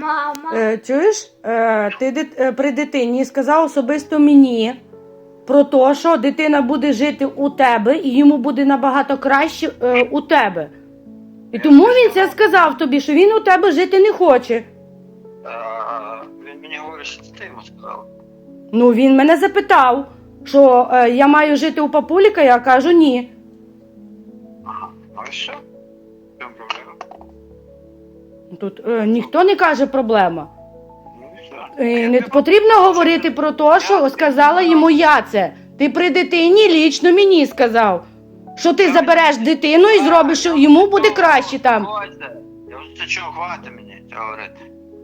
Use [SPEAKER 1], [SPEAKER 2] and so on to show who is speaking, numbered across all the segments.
[SPEAKER 1] Мама.
[SPEAKER 2] Чуєш, ти при дитині сказав особисто мені про те, що дитина буде жити у тебе і йому буде набагато краще у тебе. І тому він це сказав тобі, що він у тебе жити не хоче.
[SPEAKER 3] Він мені говорить, що ти йому сказав.
[SPEAKER 2] Ну, він мене запитав, що я маю жити у папуліка, я кажу ні.
[SPEAKER 3] Ага, ну і що? В чому проблема?
[SPEAKER 2] Тут ніхто не каже проблема.
[SPEAKER 3] Ну і що?
[SPEAKER 2] Не потрібно говорити про те, що сказала йому я це. Ти при дитині лічно мені сказав, що ти забереш дитину і зробиш, що йому буде краще там.
[SPEAKER 3] Я вже це чого, хватить мені це говорити.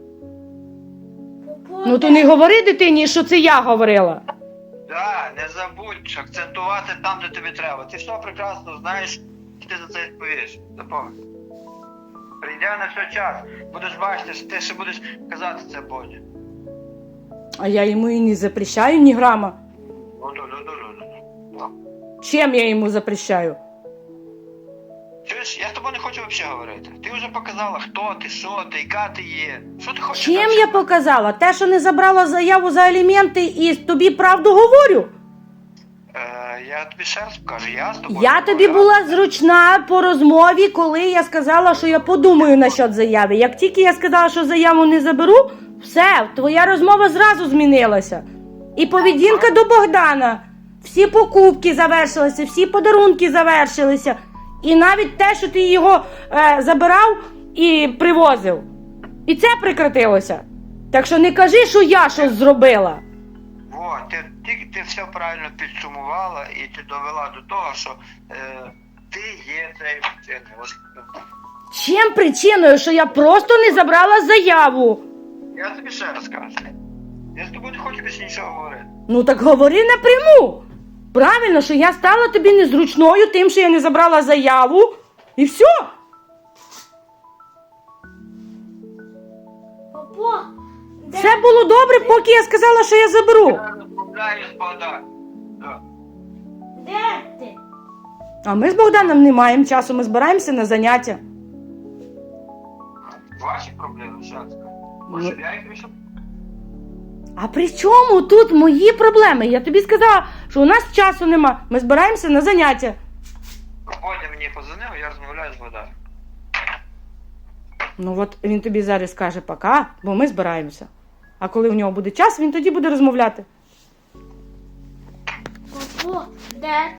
[SPEAKER 2] Ну то не говори дитині, що це я говорила.
[SPEAKER 3] Так, не забудь акцентувати там, де тобі треба. Ти все прекрасно знаєш, і ти за це відповіш. Запам'ятай. Прийде на все час, будеш бачити, що ти ще будеш казати це Боні.
[SPEAKER 2] А я йому і не запрещаю ні грама.
[SPEAKER 3] Ну.
[SPEAKER 2] Чим я йому запрещаю?
[SPEAKER 3] Чуєш, я з тобою не хочу взагалі говорити. Ти вже показала, хто ти, що ти, яка ти є. Що ти хочеш?
[SPEAKER 2] Чим я показала? Те, що не забрала заяву за аліменти і тобі правду говорю?
[SPEAKER 3] Я тобі ще раз покажу, я з тобою...
[SPEAKER 2] Я тобі була зручна по розмові, коли я сказала, що я подумаю насчет заяви. Як тільки я сказала, що заяву не заберу, все, твоя розмова зразу змінилася. І поведінка до Богдана. Всі покупки завершилися, всі подарунки завершилися. І навіть те, що ти його забирав і привозив. І це прекратилося. Так що не кажи, що я щось зробила.
[SPEAKER 3] Во, ти все правильно підсумувала і ти довела до того, що ти є цією причиною.
[SPEAKER 2] Чим причиною, що я просто не забрала заяву?
[SPEAKER 3] Я тобі ще раз кажу. Я з тобою не хочу більше нічого говорити.
[SPEAKER 2] Ну так говори напряму. Правильно, що я стала тобі незручною тим, що я не забрала заяву. І все.
[SPEAKER 1] Папа,
[SPEAKER 2] Все було добре, поки я сказала, що я заберу.
[SPEAKER 3] Я розмовляю з Богданом.
[SPEAKER 1] де ти?
[SPEAKER 2] А ми з Богданом не маємо часу, ми збираємося на заняття.
[SPEAKER 3] Ваші проблеми, що я скажу. Може, я їх вирішив?
[SPEAKER 2] А при чому тут мої проблеми? Я тобі сказала, що у нас часу нема. Ми збираємося на заняття.
[SPEAKER 3] Боня мені позвонив, я розмовляю з Богданом.
[SPEAKER 2] Ну от він тобі зараз каже пока, бо ми збираємося. А коли в нього буде час, він тоді буде розмовляти.
[SPEAKER 1] Папа, де